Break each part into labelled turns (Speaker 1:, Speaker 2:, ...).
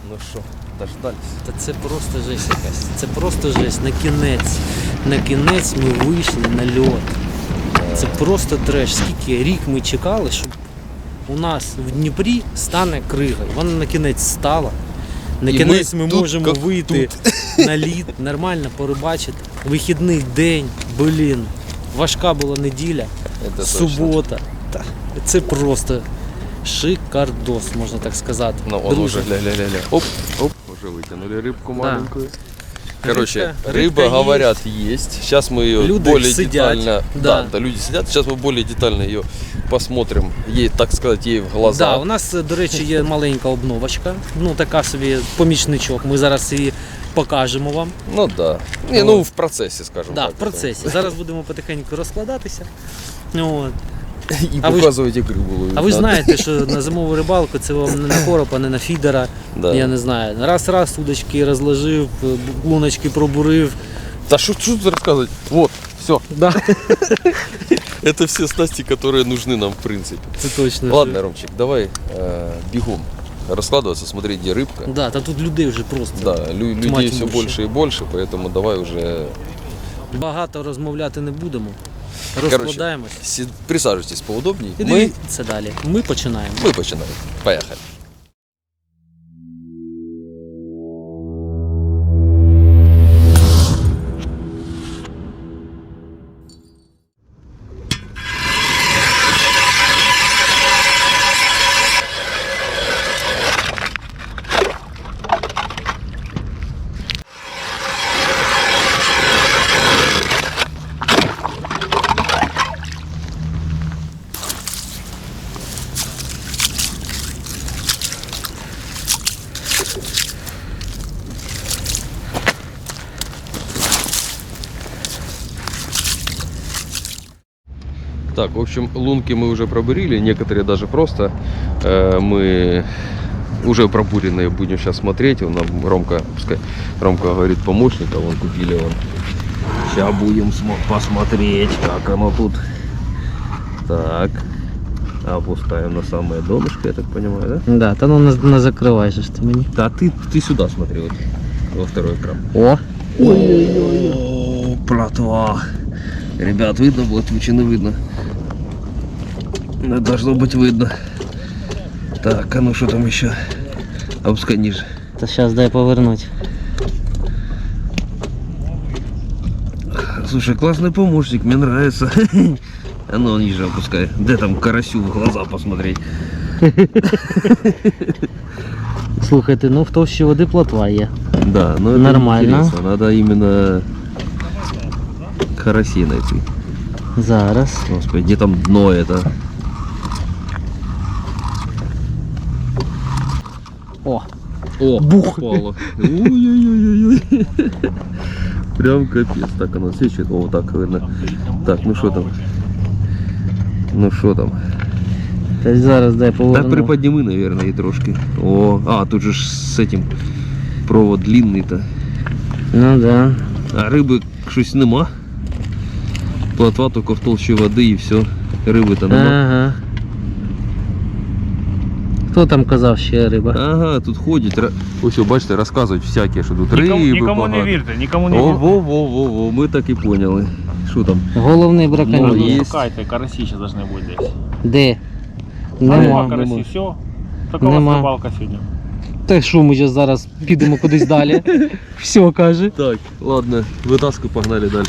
Speaker 1: Ну що, дождались?
Speaker 2: Та це просто жесть якась. Це просто жесть. На кінець ми вийшли на льот. Це просто треш. Скільки рік ми чекали, щоб у нас в Дніпрі стане крига. Вона на кінець стала. На
Speaker 1: І
Speaker 2: кінець ми
Speaker 1: тут,
Speaker 2: можемо
Speaker 1: як
Speaker 2: вийти на лід, нормально порибачити. Вихідний день, блін. Важка була неділя,
Speaker 1: Это
Speaker 2: субота. Та, це просто шикардос, можна так сказати.
Speaker 1: Ну, он
Speaker 2: Друзі,
Speaker 1: уже, ля-ля-ля-ля. Оп, уже вытянули рыбку маленькую. Короче,
Speaker 2: Рыбка
Speaker 1: рыба,
Speaker 2: есть.
Speaker 1: говорят, есть. Сейчас мы ее
Speaker 2: Люди
Speaker 1: более
Speaker 2: сидят.
Speaker 1: детально...
Speaker 2: Да.
Speaker 1: Да, люди сидят. Сейчас мы более детально ее посмотрим. Ей, так сказать, ей в глаза.
Speaker 2: Да, у нас, до речі, є маленька обновочка. Ну, така собі помічничок. Ми зараз її покажемо вам.
Speaker 1: Ну да. Не, ну в процессе, скажем
Speaker 2: Да,
Speaker 1: так.
Speaker 2: в процесі. Зараз будемо потихеньку розкладатися. От.
Speaker 1: И
Speaker 2: А ви ж-
Speaker 1: показывать игру было.
Speaker 2: А ви ж знаєте, що на зимову рибалку це вам не на коропа, не на фідера.
Speaker 1: Да.
Speaker 2: Я не знаю. Раз удочки розложив, луночки пробурив.
Speaker 1: Да что тут рассказывать? Вот, все.
Speaker 2: Да.
Speaker 1: Это все снасти, которые нужны нам, в принципе.
Speaker 2: Це точно.
Speaker 1: Ладно, Ромчик, давай бегом раскладываться, смотреть, где рыбка.
Speaker 2: Да, та тут людей вже просто
Speaker 1: Да, людей
Speaker 2: Тьма
Speaker 1: все
Speaker 2: тьмуща.
Speaker 1: больше и больше, поэтому давай уже
Speaker 2: багато розмовляти не будемо.
Speaker 1: Короче,
Speaker 2: Розкладаємось.
Speaker 1: присаживайтесь поудобнее.
Speaker 2: І
Speaker 1: Мы
Speaker 2: дивіться далі. Ми починаємо.
Speaker 1: починаем. Поехали. Так, в общем, лунки мы уже пробурили, некоторые даже просто. Мы уже пробуренные будем сейчас смотреть. Он нам Ромка, пускай Ромка говорит помощника, вон купили он. Сейчас будем посмотреть, как оно тут. Так, опускаем на самое донышко, я так понимаю, да?
Speaker 2: Да, та ну не закривай же ж ти мені.
Speaker 1: Да, ты сюда смотри, вот, во второй экран.
Speaker 2: О!
Speaker 1: О, плотва. Ребят, видно будет, лучше не видно. Должно быть видно. Так, а ну что там еще? Опускай ниже.
Speaker 2: Та зараз дай повернуть.
Speaker 1: Слушай, классный помощник, мне нравится. А ну ниже опускай. Где там карасю в глаза посмотреть?
Speaker 2: Слухайте, ну в товщі води плотва є.
Speaker 1: Да, ну это
Speaker 2: Нормально.
Speaker 1: интересно. Надо именно карасей найти.
Speaker 2: Зараз.
Speaker 1: Господи, где там дно это?
Speaker 2: О!
Speaker 1: О,
Speaker 2: Бух.
Speaker 1: упало. Ой-ой-ой-ой. Прям капец. Так оно сечет. О, так видно. Так, ну что там? Ну что там?
Speaker 2: Та зараз дай
Speaker 1: Так
Speaker 2: поверну.
Speaker 1: приподними, наверное, и трошки. О, а, тут же ж с этим провод длинный-то.
Speaker 2: Ну да.
Speaker 1: А рыбы щось нема. Плотва только в толще воды и все. Рыбы-то нема.
Speaker 2: Ага. Хто там казав ще риба?
Speaker 1: Ага, тут ходять. Ось, бачите, розказують всякі, що тут риби
Speaker 3: Нікому не
Speaker 1: багато.
Speaker 3: вірте, нікому не
Speaker 1: О,
Speaker 3: вірте.
Speaker 1: во, ми так і поняли. Що там?
Speaker 2: Головний
Speaker 1: Ну,
Speaker 2: браконьєр.
Speaker 1: є.
Speaker 3: Шукайте, карасі ще должны бути десь.
Speaker 2: Де?
Speaker 3: Нема
Speaker 2: Нема.
Speaker 3: карасі, все. Така у
Speaker 2: Нема.
Speaker 3: вас рибалка сьогодні.
Speaker 2: Та що, ми зараз підемо кудись далі? Все, каже.
Speaker 1: Так, ладно, витаскуй, погнали далі.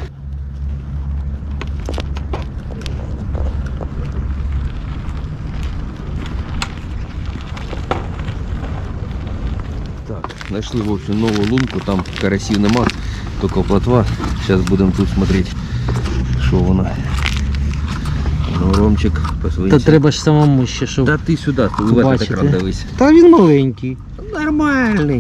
Speaker 1: Так, знайшли, в общем, нову лунку, там карасів нема, тільки плотва. Зараз будемо тут смотреть, що вона. Ну, Ромчик,
Speaker 2: Та
Speaker 1: посвинься.
Speaker 2: треба ж самому ще, щоб...
Speaker 1: Та ти сюди, ти в этот
Speaker 2: Бачите?
Speaker 1: екран дивись.
Speaker 2: Та він маленький.
Speaker 1: Нормальний.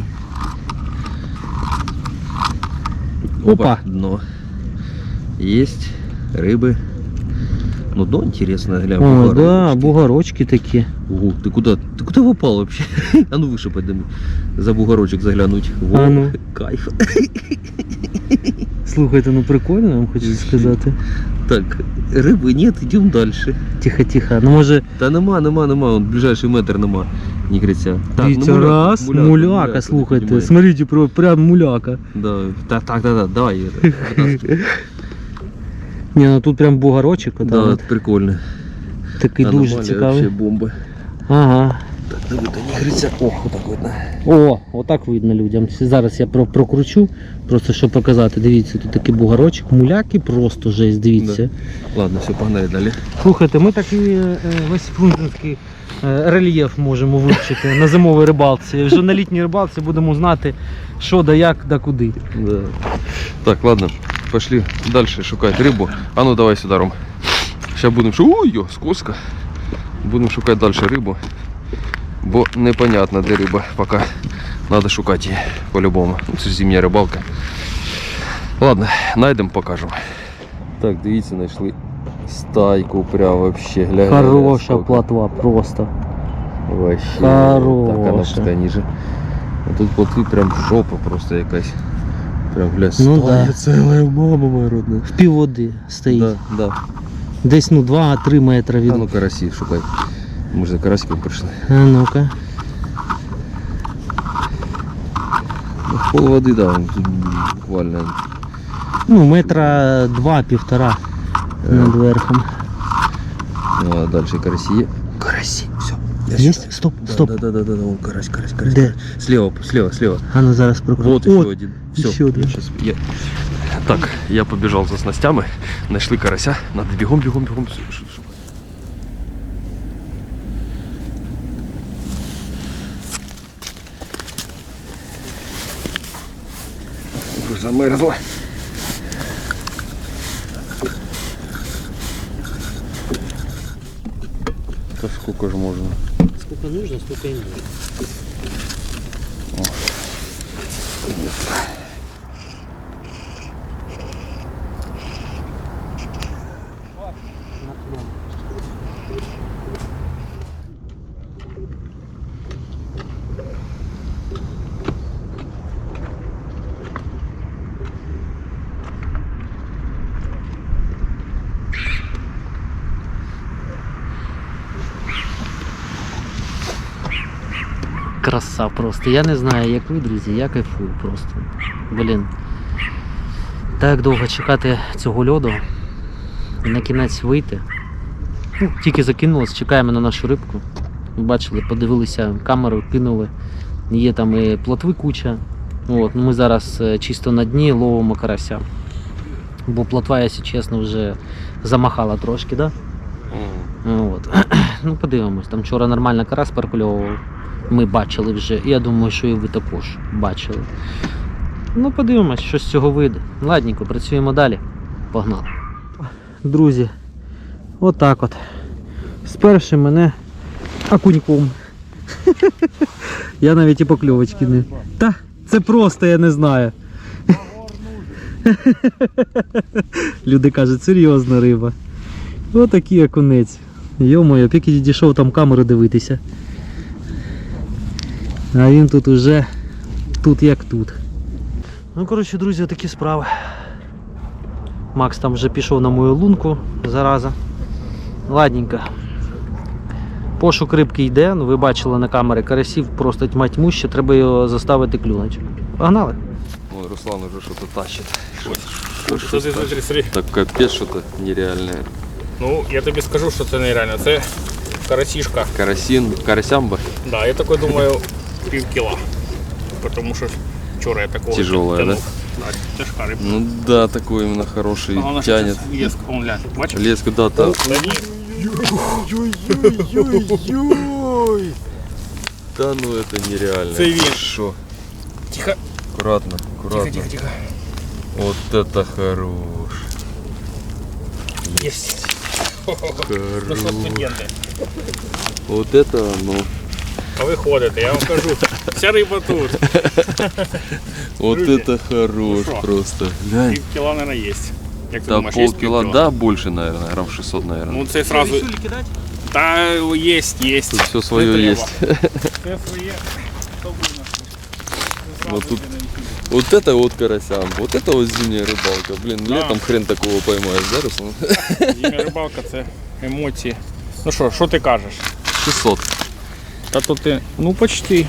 Speaker 2: Опа.
Speaker 1: Дно. Есть рыбы. Ну, дно интересно, глянь.
Speaker 2: О, да,
Speaker 1: бугорочки.
Speaker 2: бугорочки такі.
Speaker 1: Ого, ты куда попал вообще? А ну выше подними. За бугорочек заглянуть. Во,
Speaker 2: А ну.
Speaker 1: кайф.
Speaker 2: Слухайте, ну прикольно, я вам хочу сказати.
Speaker 1: Так, рыбы нет, идем дальше.
Speaker 2: Тихо, тихо. Ну може...
Speaker 1: Та нема, вон ближайший метр нема. Нігриця.
Speaker 2: Дивіться,
Speaker 1: ну,
Speaker 2: раз, муляка, слухайте,
Speaker 1: піднімай.
Speaker 2: смотрите, прям муляка.
Speaker 1: Да, так, давай.
Speaker 2: Ні, ну тут прям бугорочок,
Speaker 1: Да,
Speaker 2: от,
Speaker 1: прикольно.
Speaker 2: такий дуже
Speaker 1: Аномалія,
Speaker 2: цікавий.
Speaker 1: вообще бомба.
Speaker 2: Ага.
Speaker 1: Так, диви, то нігриця. Ох, отак видно.
Speaker 2: О, отак видно людям. Зараз я прокручу, просто щоб показати. Дивіться, тут такий бугорочок, муляки, просто жесть, дивіться.
Speaker 1: Ладно, все, погнали далі.
Speaker 2: Слухайте, ми такий весь фрунзенський рельєф можемо вивчити на зимовій рибалці. Вже на літній рибалці будемо знати, що да як, да куди.
Speaker 1: Да. Так, ладно, пошли дальше шукать рыбу. А ну давай сюда, Ром. Сейчас будем ой, скользко. Будем шукать дальше рыбу. Бо непонятно, де риба. Пока надо шукать її по-любому. Ну, це ж зимня рибалка. Ладно, знайдемо, покажемо. Так, дивіться, знайшли стайку прям вообще. Глянь,
Speaker 2: Хороша
Speaker 1: сколько.
Speaker 2: плотва, просто.
Speaker 1: Вообще.
Speaker 2: Хороша.
Speaker 1: Так, она пускай ниже. А тут плотви прям жопа просто якась. Прям, глянь,
Speaker 2: Ну
Speaker 1: стая
Speaker 2: да.
Speaker 1: целая, мама моя родная.
Speaker 2: В півводи стоїть.
Speaker 1: Да, да.
Speaker 2: Десь 2-3 метри від.
Speaker 1: А ну карасі шукай. Ми ж за карасиком прийшли.
Speaker 2: А ну-ка.
Speaker 1: Ну, в пол води, да, тут буквально.
Speaker 2: Ну, метра 2-1,5 над верхом.
Speaker 1: Ну, а дальше карасі є. Карасі, все.
Speaker 2: Есть? Стоп, стоп.
Speaker 1: Да, вон карась.
Speaker 2: Де?
Speaker 1: Слева.
Speaker 2: А ну зараз прокручу.
Speaker 1: Вот еще один. Все,
Speaker 2: еще один.
Speaker 1: Так, я побежал за снастями, нашли карася, надо бегом. Замерзла. Да сколько же можно?
Speaker 2: Сколько нужно, столько и нужно. Краса просто. Я не знаю, як ви, друзі, я кайфую просто. Блін. Так довго чекати цього льоду і на кінець вийти. Ну, тільки закинулось, чекаємо на нашу рибку. Ви бачили, подивилися камеру, кинули. Є там і плотви куча. От, ну ми зараз чисто на дні ловимо карася. Бо плотва, якщо чесно, вже замахала трошки, да? От. Ну подивимось, там вчора нормально карась перекульовував. Ми бачили вже, і я думаю, що і ви також бачили. Ну подивимось, що з цього вийде. Ладненько, працюємо далі. Погнали. Друзі, отак от. Сперши мене окуньком. Я навіть і покльовочки не. Та, це просто я не знаю. Люди кажуть, серйозна риба. Отакий окунець. Йо-моє, поки дійшов там камеру дивитися. А він тут уже, тут як тут. Ну, коротше, друзі, такі справи. Макс там вже пішов на мою лунку, зараза. Ладненько. Пошук рибки йде, ну ви бачили на камері, карасів просто тьма тьмуща, треба його заставити клюнуть. Погнали.
Speaker 1: Ой, Руслан уже что-то тащит.
Speaker 3: Що ти смотри.
Speaker 1: Так капец, что-то нереальное.
Speaker 3: Ну, я тобі скажу, що це нереально. Це карасішка.
Speaker 1: Карасямба.
Speaker 3: Да, я такой думаю, пів кіла. Тому що вчора я такого
Speaker 1: Тяжелая,
Speaker 3: тянув.
Speaker 1: да?
Speaker 3: Да, тяжка рибка.
Speaker 1: Ну да, такой именно хороший,
Speaker 3: А вона
Speaker 1: тянет.
Speaker 3: щас леск, он глянь, бачиш?
Speaker 1: Леску, да, там.
Speaker 3: Да ні.
Speaker 1: Да ну это нереально.
Speaker 3: Це він.
Speaker 1: Шо?
Speaker 3: Тихо,
Speaker 1: Аккуратно.
Speaker 3: тихо.
Speaker 1: Вот это хорош.
Speaker 3: Єсть. Ну що, студенти,
Speaker 1: Вот это, ну.
Speaker 3: а ви ходите, я вам кажу, вся риба тут.
Speaker 1: Вот
Speaker 3: Люди,
Speaker 1: это хорош
Speaker 3: ну шо?
Speaker 1: просто. Глянь.
Speaker 3: Пів кіла, наверное, є. Як ти
Speaker 1: Да,
Speaker 3: думаєш, є
Speaker 1: полкила,
Speaker 3: пів
Speaker 1: да, больше, наверное, грамм 600, наверное.
Speaker 3: Ну це сразу. Та є.
Speaker 1: Тут все свое
Speaker 3: Не треба.
Speaker 1: есть.
Speaker 3: Це своє. Що буде?
Speaker 1: Вот тут. Вот это вот карасям, вот это вот зимняя рыбалка. Блин,
Speaker 3: Да.
Speaker 1: летом хрен такого поймаешь, да, Руслан?
Speaker 3: Зимня рибалка це емоції. Ну що ти кажеш?
Speaker 1: 600.
Speaker 3: Та то ти, ну почти.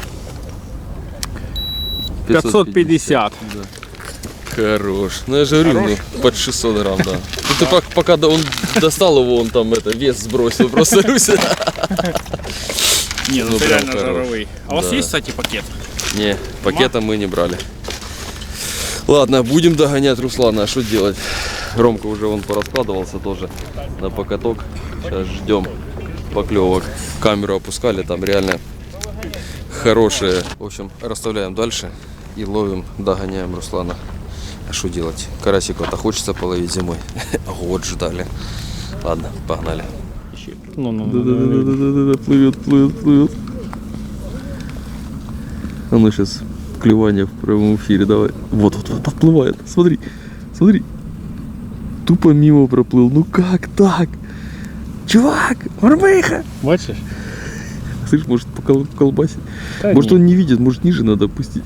Speaker 3: 550.
Speaker 1: Да. Хорош. Ну я же говорю,
Speaker 3: Хорош?
Speaker 1: ну, под 600 грамм, да. Ну ты пока он достал его, он там вес сбросил, просто Руся.
Speaker 3: Не, ну,
Speaker 1: Ну,
Speaker 3: ты
Speaker 1: прям
Speaker 3: реально
Speaker 1: хорош.
Speaker 3: жировый. А у вас
Speaker 1: Да.
Speaker 3: есть, кстати, пакет?
Speaker 1: Не, пакета мы не брали. Ладно, будем догонять Руслана, а что делать? Ромка уже он пораскладывался тоже на покаток. Сейчас ждем поклевок. Камеру опускали, там реально хорошие. В общем, расставляем дальше и ловим, догоняем Руслана. А что делать? Карасиков-то хочется половить зимой. Год ждали. Ладно, погнали.
Speaker 3: Ну.
Speaker 1: Да-да-да, плывет. А ну сейчас клевание в прямом эфире, давай. Вот, подплывает. Смотри. Тупо мимо проплыл. Ну как так? Чувак, мормыха!
Speaker 3: Бачишь?
Speaker 1: Слышь, может колбасить?
Speaker 3: Да
Speaker 1: Может
Speaker 3: нет.
Speaker 1: он не видит, может ниже надо опустить.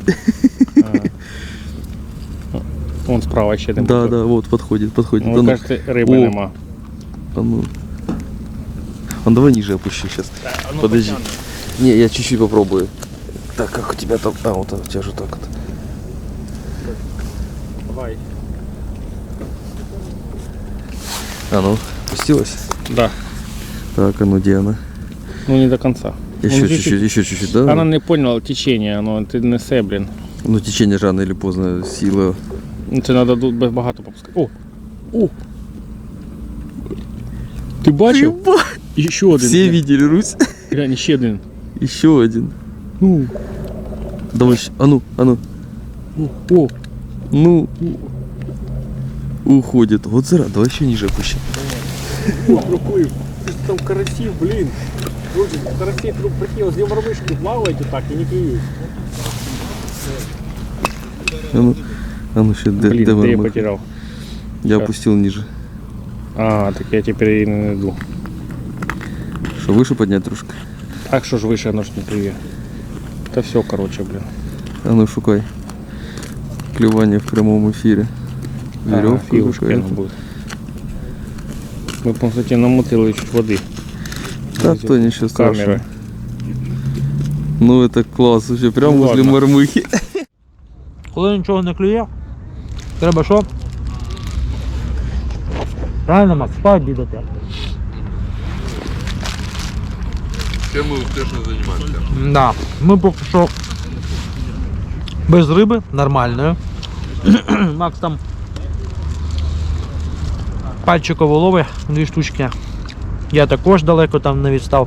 Speaker 3: Вон справа ще один.
Speaker 1: Да, вот, подходит.
Speaker 3: Ну,
Speaker 1: Да ну.
Speaker 3: кажется, риби
Speaker 1: О.
Speaker 3: нема.
Speaker 1: А ну. Давай ниже опущу сейчас.
Speaker 3: ну,
Speaker 1: Подожди. Не, я чуть-чуть попробую. Так, как у тебя там? А, вот у тебя же так вот.
Speaker 3: Давай.
Speaker 1: А ну, пустилась?
Speaker 3: Да.
Speaker 1: Так, а ну где она?
Speaker 3: Ну не до конца.
Speaker 1: Еще
Speaker 3: Ну,
Speaker 1: чуть-чуть, да?
Speaker 3: Она не поняла течення, ну ти несе, блін.
Speaker 1: Ну течение же рано или поздно, сила.
Speaker 3: Ну, це треба тут багато попускати. О! Ти бачив? І ще один.
Speaker 1: Все видели, Русь?
Speaker 3: Глянь, ще один.
Speaker 1: Еще один. Ну. Давай, а ну.
Speaker 3: О!
Speaker 1: Ну. Уходит. Вот зара, давай еще ниже опущу.
Speaker 3: Проплив. Там карасів, блін. Друзі, карасі прикинь, з мормишки плавають так і не клюють.
Speaker 1: А ну ще де
Speaker 3: Блін, де я
Speaker 1: мормыха?
Speaker 3: потеряв?
Speaker 1: Я
Speaker 3: Щас.
Speaker 1: опустил ниже.
Speaker 3: А, так я тепер її не найду.
Speaker 1: Что, выше поднять трошки?
Speaker 3: Так що ж вище, воно ж не клює. Та все, короче, блін.
Speaker 1: А ну шукай. Клевание в прямом эфире. Веревка
Speaker 3: філушки
Speaker 1: какая-то.
Speaker 3: буде. Ми, по суті, намотили чуть води.
Speaker 1: Да, то ничего страшного.
Speaker 3: Камери.
Speaker 1: Ну это класс, вообще прям
Speaker 3: Ну,
Speaker 1: возле
Speaker 3: ладно.
Speaker 1: мормыхи.
Speaker 2: Коли нічого не клює, треба що? Правильно, Макс, спать бідати.
Speaker 1: Чем мы успешно занимаемся?
Speaker 2: Да, ми поки що без риби, нормальної. Макс там пальчиково лови 2 штучки. Я також далеко там не відстав.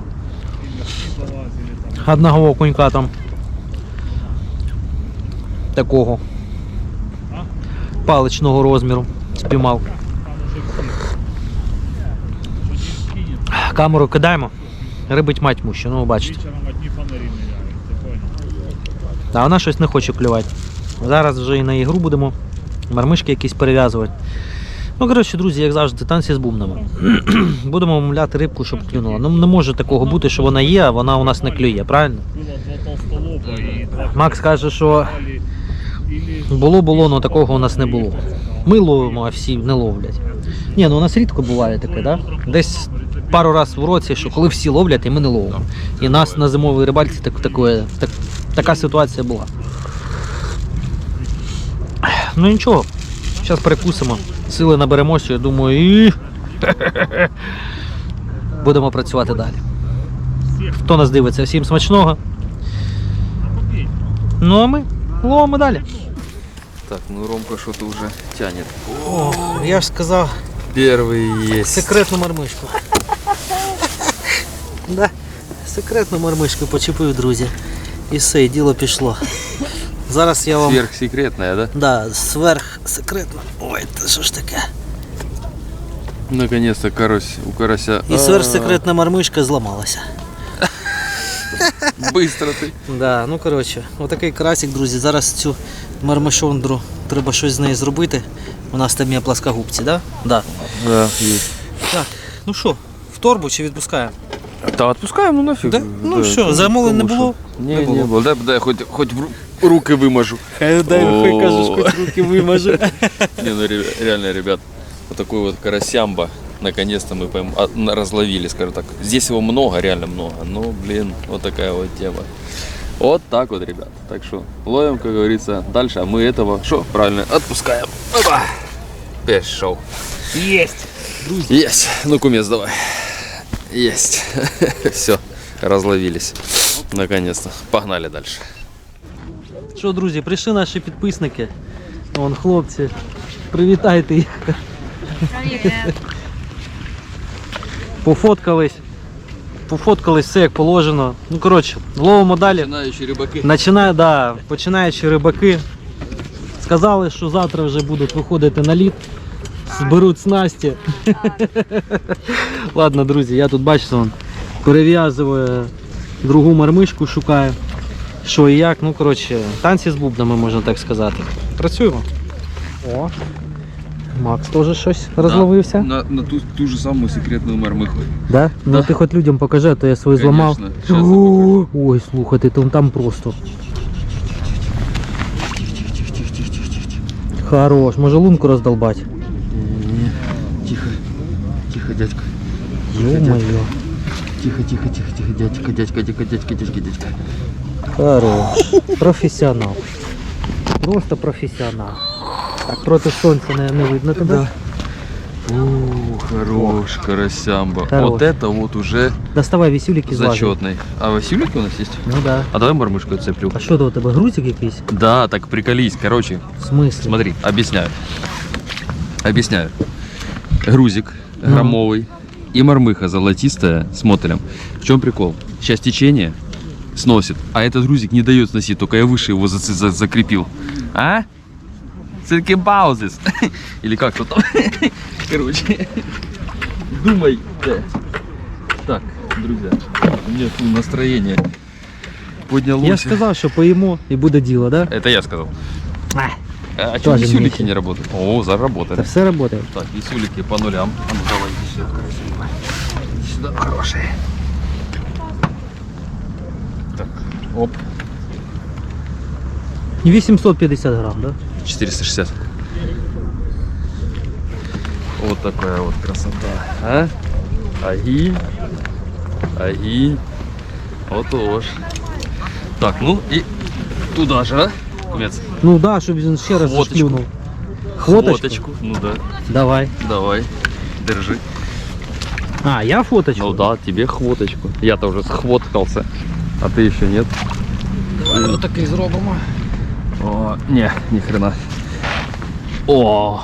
Speaker 2: Одного окунька там такого паличного розміру спіймав. Камеру кидаємо, рибить матьму ще, ну бачите. А вона щось не хоче клювати. Зараз вже і на ігру будемо мармишки якісь перев'язувати. Ну, коротше, друзі, як завжди, танці з бубнами. Будемо мовляти рибку, щоб клюнула. Ну, не може такого бути, що вона є, а вона у нас не клює, правильно? Макс каже, що було, але такого у нас не було. Ми ловимо, а всі не ловлять. Ні, ну у нас рідко буває таке, да? Десь пару разів в році, що коли всі ловлять, і ми не ловимо. І нас на зимовій рибальці така ситуація була. Ну нічого, зараз перекусимо, сили наберемося, я думаю, і будемо працювати далі. Хто нас дивиться, всім смачного. Ну а ми ловимо далі.
Speaker 1: Так, ну Ромка что-то уже тянет.
Speaker 2: О, я ж сказав
Speaker 1: Первый есть.
Speaker 2: секретну мармишку. Да, секретну мармишку почепив, друзі. І все, і діло пішло. Зараз я вам...
Speaker 1: Сверхсекретная, да?
Speaker 2: Да, сверхсекретно. Ой, це що ж таке?
Speaker 1: Наконец-то у карася.
Speaker 2: І сверхсекретна мармишка зламалася.
Speaker 1: Быстро ты.
Speaker 2: Да, ну коротше, отакий карасик, друзі. Зараз цю мармишондру треба щось з нею зробити. У нас там є пласкогубці, да? Да.
Speaker 1: Да, есть.
Speaker 2: Так, ну що, в торбу чи відпускаємо?
Speaker 1: Да, отпускаем, ну нафиг.
Speaker 2: Да? Ну що, замовлень не було?
Speaker 1: Не,
Speaker 2: Не
Speaker 1: не
Speaker 2: було.
Speaker 1: было. Дай хоть руки вымажу.
Speaker 2: Хай кажеш, хоч руки вимажу.
Speaker 1: Не, ну реально, ребят, вот такой вот карасямба. Наконец-то мы разловили, скажем так. Здесь его много, реально много. Но, блин, вот такая вот тема. Вот так вот, ребят. Так что ловим, как говорится, дальше. А мы этого, что, правильно, отпускаем. Опа! Пешел.
Speaker 2: Есть!
Speaker 1: Есть. Ну, кумец, давай. Есть. Все, разловились. Наконец-то. Погнали дальше.
Speaker 2: Що, друзі, прийшли наші підписники. Вон хлопці. Привітайте їх. Пофоткались. Пофоткались, все як положено. Ну, коротше, ловимо далі.
Speaker 1: Починаючі рибаки.
Speaker 2: Починаючи рибаки. Сказали, що завтра вже будуть виходити на лід. Зберуть снасті. Ладно, друзі, я тут, бачите, вон, перев'язую другу мармишку, шукаю. Що і як, ну, коротше, танці з бубнами, можна так сказати. Працюємо. О, Макс теж щось розловився.
Speaker 1: На ту ж саму секретну мармиху.
Speaker 2: Да? Ну
Speaker 1: Да.
Speaker 2: ти хоч людям покажи, а то я свої зламав.
Speaker 1: Конечно, щас я
Speaker 2: О, ой, слухайте, там просто. Хорош, може лунку роздолбать.
Speaker 1: Тихо, тихо, дядька.
Speaker 2: Ё-моё.
Speaker 1: Тихо, дядька.
Speaker 2: Хорош. Професіонал. Просто професіонал. Так, проти сонця не видно тебе.
Speaker 1: Хорош, карасямба.
Speaker 2: Хорош.
Speaker 1: Вот это вот уже
Speaker 2: Доставай вісюліки з лажі.
Speaker 1: зачетный. А васюлики у нас есть?
Speaker 2: Ну да.
Speaker 1: А давай мармышку цеплю.
Speaker 2: А що то у тебе, грузик якийсь?
Speaker 1: Да, так приколись. Короче,
Speaker 2: В смысле?
Speaker 1: смотри, объясняю. Грузик громовый и мормыха золотистая с мотелем. В чем прикол? Сейчас течение сносит, а этот грузик не дает сносить, только я выше его закрепил. А? Все-таки паузис. Или как то там? Короче, думай. Так, друзья, у меня тут настроение поднялось.
Speaker 2: Я ж сказав, що поїмо і буде діло, да?
Speaker 1: Это я сказал.
Speaker 2: А,
Speaker 1: А что
Speaker 2: Тоже
Speaker 1: висюлики
Speaker 2: вместе.
Speaker 1: не работают? О, заработали.
Speaker 2: Це все працює.
Speaker 1: Так, висюлики по нулям. А ну давай, иди сюда, красиво. Иди сюда, хорошие. Так, оп,
Speaker 2: 850 грам, да?
Speaker 1: 460. Вот такая вот красота. А? Агинь. Вот уж. Так, ну и туда же, а? Кумец.
Speaker 2: Ну да, щоб він ще раз
Speaker 1: Хвоточку.
Speaker 2: шплюнув. Фоточку?
Speaker 1: Фоточку. Ну да.
Speaker 2: Давай.
Speaker 1: Держи.
Speaker 2: А, я фоточку?
Speaker 1: Ну да, тебе хвоточку. Я-то уже схвоткался, а ты еще нет.
Speaker 2: Давай отакий зробимо.
Speaker 1: О, не, ни хрена. О,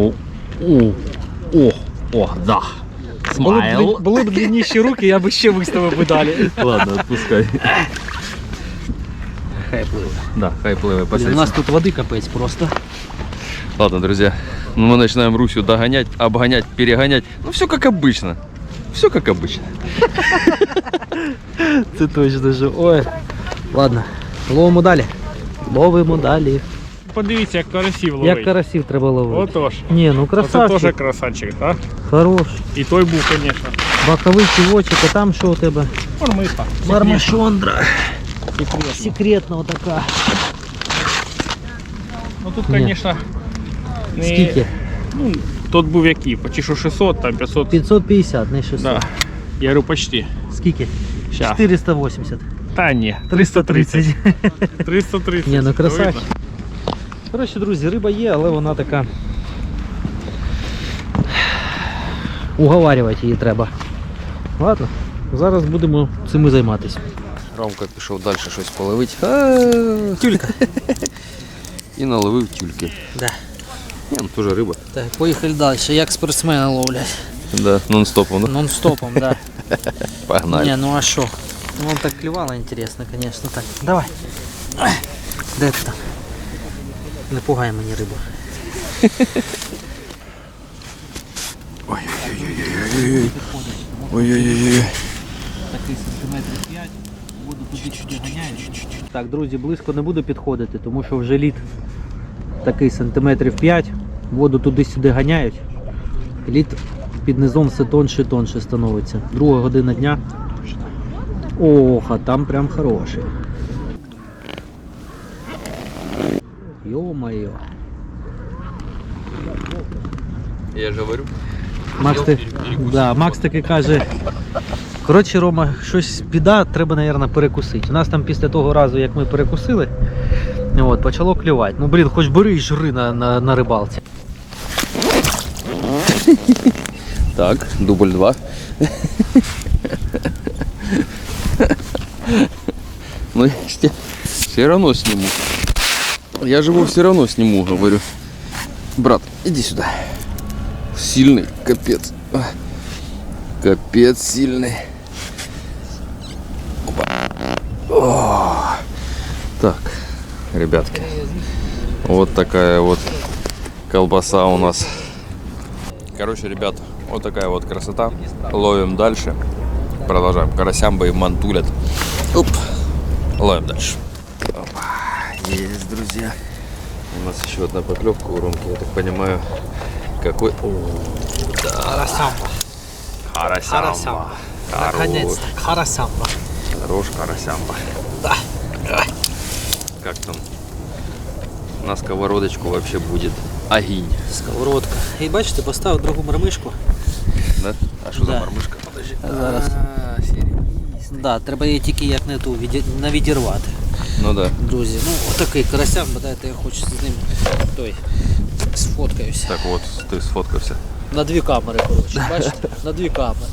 Speaker 1: да. Смайл.
Speaker 2: Були б длинніші руки, я б ще виставив би далі.
Speaker 1: Ладно, отпускай.
Speaker 2: Хай пливе.
Speaker 1: Да, хай плывай,
Speaker 2: У нас тут води капець просто.
Speaker 1: Ладно, друзья, ну мы начинаем Русю догонять, обгонять, перегонять. Ну все как обычно. Все как обычно.
Speaker 2: Це точно же. Ой. Ладно, ловимо далі.
Speaker 3: Подивіться, як карасів ловить.
Speaker 2: Як карасів треба ловити.
Speaker 3: Отож.
Speaker 2: Ні, ну
Speaker 3: Оце теж
Speaker 2: красавчик.
Speaker 3: красавчик, так?
Speaker 2: Хорош.
Speaker 3: І той був, звісно.
Speaker 2: Боковий кивочок, а там що у тебе?
Speaker 3: Мармиха.
Speaker 2: Мармишондра. Секретна отака.
Speaker 3: Ну тут,
Speaker 2: Ні.
Speaker 3: звісно, не...
Speaker 2: Скільки?
Speaker 3: Ну, тут був який, почти що 600, там 500.
Speaker 2: 550, не 600.
Speaker 3: Да. Я говорю, почти.
Speaker 2: Скільки?
Speaker 3: Щас.
Speaker 2: 480.
Speaker 3: Та ні,
Speaker 2: 330.
Speaker 3: 330.
Speaker 2: Ні, ну красавчик.
Speaker 3: Видно?
Speaker 2: Коротше, друзі, риба є, але вона така. Уговарювати її треба. Ладно, зараз будемо цим і займатися.
Speaker 1: Ромка пішов далі щось половити.
Speaker 2: Тюлька.
Speaker 1: І наловив тюльки.
Speaker 2: Да.
Speaker 1: Ні, ну теж риба.
Speaker 2: Так, поїхали далі. Як спортсмени ловлять.
Speaker 1: Да, нон-стопом, да?
Speaker 2: Нон-стопом, да.
Speaker 1: Погнали.
Speaker 2: Не, ну а що? Ну, он так клювало, интересно, конечно. Так, давай. Де ти там? Не пугай мені рибу.
Speaker 1: Ой-ой-ой.
Speaker 2: Такий сантиметрів 5, воду туди-сюди ганяєш. Так, друзі, близько не буду підходити, тому що вже лід такий сантиметрів 5, воду туди-сюди ганяють. Лід під низом все тонше і тонше становиться. 2 година дня. Ох, а там прям хороший. Ё-моё.
Speaker 1: Я же говорю.
Speaker 2: Макс таки каже, коротше, Рома, щось біда, треба, мабуть, перекусити. У нас там після того разу, як ми перекусили, от, почало клювати. Ну, блін, хоч бери і жри на рибалці.
Speaker 1: Так, дубль 2. Ну, я все равно сниму. Я же его все равно сниму, говорю. Брат, иди сюда. Сильный, капец. Капец сильный. Опа. О. Так, ребятки. Вот такая вот колбаса у нас. Короче, ребят, вот такая вот красота. Ловим дальше. Продолжаем. Карасямбы и мантулят. Оп. Ловим дальше. Опа. Есть, друзья. У нас еще одна поклевка у Ромки, я так понимаю. Какой... О, да.
Speaker 2: Карасямба.
Speaker 1: Карасямба.
Speaker 2: Наконец-то, карасямба.
Speaker 1: Хорош карасямба.
Speaker 2: Да.
Speaker 1: Как там? На сковородочку вообще будет огонь.
Speaker 2: Сковородка. І бачите, поставив другу мармишку.
Speaker 1: Да? А что
Speaker 2: Да.
Speaker 1: за мормышка? Подожди.
Speaker 2: Зараз. Да, треба її тільки як не ту навідірвати.
Speaker 1: Ну да.
Speaker 2: Друзі, ну отакий карасямба, дайте я хочу з ним сфоткаюся.
Speaker 1: Так вот, ты сфоткався.
Speaker 2: На дві камери, коротше, бачите? На дві камери.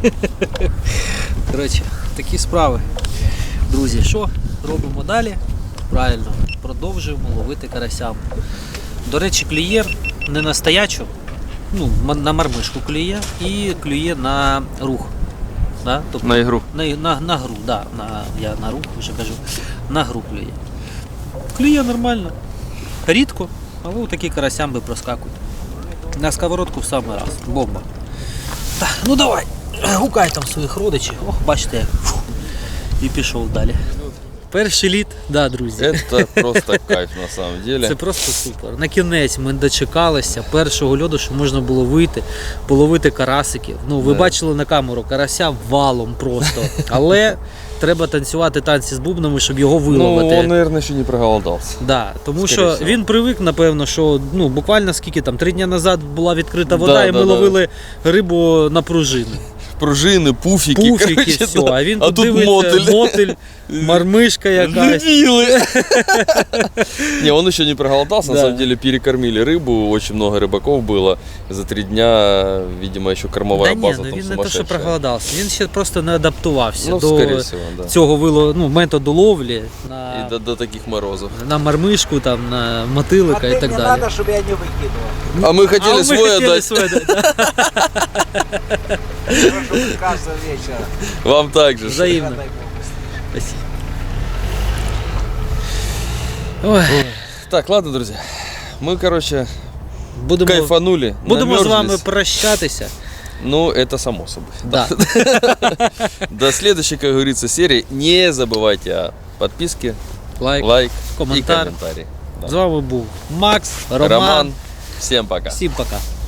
Speaker 2: Коротше, такі справи. Друзі, що робимо далі? Правильно, продовжуємо ловити карасямбу. До речі, клює не на стоячу, ну, на мармишку клює і клює на рух. Да? Тобто,
Speaker 1: На ігру.
Speaker 2: На гру, да. Я на рух вже кажу. На гру клює. Клює нормально. Рідко, але такі карасямби проскакують. На сковородку в самий раз. Бомба. Так, ну давай, гукай там своїх родичів. Ох, бачите як. Фу. І пішов далі. Перший літ, да, друзі.
Speaker 1: Это просто кайф на самом деле.
Speaker 2: Це просто супер. На кінець ми дочекалися першого льоду, що можна було вийти, половити карасиків. Ну, ви
Speaker 1: Да.
Speaker 2: бачили на камеру, карася валом просто. Але треба танцювати танці з бубнами, щоб його
Speaker 1: Ну,
Speaker 2: виловити.
Speaker 1: он, наверное, еще не проголодался.
Speaker 2: Да, тому
Speaker 1: Скоріше
Speaker 2: що
Speaker 1: всього.
Speaker 2: він привик, напевно, що ну, буквально скільки там, 3 дні назад була відкрита вода,
Speaker 1: Да,
Speaker 2: і ми
Speaker 1: да, да.
Speaker 2: ловили рибу на пружини.
Speaker 1: Пружины, пуфики,
Speaker 2: Пуфіки,
Speaker 1: короче,
Speaker 2: все.
Speaker 1: да.
Speaker 2: А він
Speaker 1: А
Speaker 2: тут
Speaker 1: тут
Speaker 2: дивиться,
Speaker 1: мотель.
Speaker 2: мотель, мармишка якась.
Speaker 1: Дебилы. Не, он еще не проголодался, на
Speaker 2: Да.
Speaker 1: самом деле перекормили рыбу, очень много рыбаков было. За 3 дня, видимо, еще кормовая
Speaker 2: Да ні,
Speaker 1: база
Speaker 2: ну
Speaker 1: там
Speaker 2: він не те, що
Speaker 1: сумасшедшая.
Speaker 2: проголодався, він ще просто не адаптувався
Speaker 1: Ну,
Speaker 2: до
Speaker 1: скорее всего, да.
Speaker 2: цього методу ловлі
Speaker 1: И до таких морозов.
Speaker 2: на мармишку, там, на мотилика і так
Speaker 4: не
Speaker 2: далі.
Speaker 4: надо, чтобы я не выкидывал.
Speaker 1: А мы хотели
Speaker 2: ми
Speaker 1: свой
Speaker 2: хотіли
Speaker 1: отдать.
Speaker 2: свой отдать, да.
Speaker 4: Прошу каждого вечера.
Speaker 1: Вам также.
Speaker 2: Взаимно.
Speaker 4: Дай Бог.
Speaker 2: Спасибо. Ой,
Speaker 1: Так, ладно, друзья. Мы, короче,
Speaker 2: будемо
Speaker 1: кайфанули.
Speaker 2: з вами
Speaker 1: намерзлись.
Speaker 2: прощатися.
Speaker 1: Ну, это само собой.
Speaker 2: Да.
Speaker 1: До следующей, как говорится, серии. Не забывайте о подписке,
Speaker 2: Лайк,
Speaker 1: лайк и
Speaker 2: коментар.
Speaker 1: комментарий. Да.
Speaker 2: З вами був Макс, Роман.
Speaker 1: Роман. Всем пока.
Speaker 2: Всім пока.